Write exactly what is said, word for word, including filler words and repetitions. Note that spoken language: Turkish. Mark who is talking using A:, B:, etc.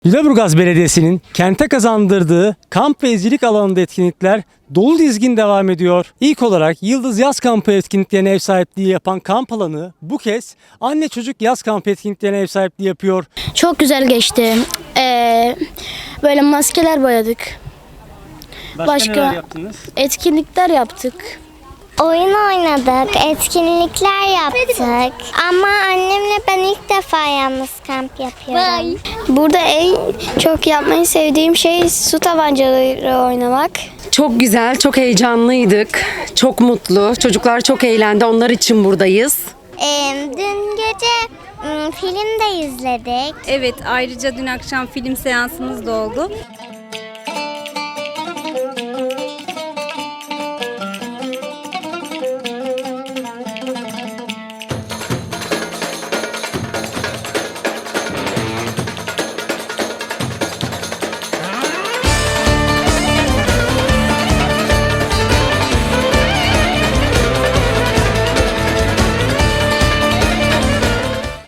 A: Lüleburgaz Belediyesi'nin kente kazandırdığı kamp ve izcilik alanında etkinlikler dolu dizgin devam ediyor. İlk olarak Yıldız Yaz Kampı etkinliklerine ev sahipliği yapan kamp alanı bu kez anne çocuk yaz kampı etkinliklerine ev sahipliği yapıyor.
B: Çok güzel geçti. Ee, böyle maskeler boyadık.
A: Başka,
B: Başka
A: neler yaptınız?
B: etkinlikler yaptık.
C: Oyun oynadık, etkinlikler yaptık. Ama annemle ben ilk defa yalnız kamp yapıyorum.
B: Burada en çok yapmayı sevdiğim şey su tabancaları oynamak.
D: Çok güzel, çok heyecanlıydık. Çok mutlu. Çocuklar çok eğlendi. Onlar için buradayız.
C: Ee, dün gece ım, film de izledik.
E: Evet, ayrıca dün akşam film seansımız da oldu.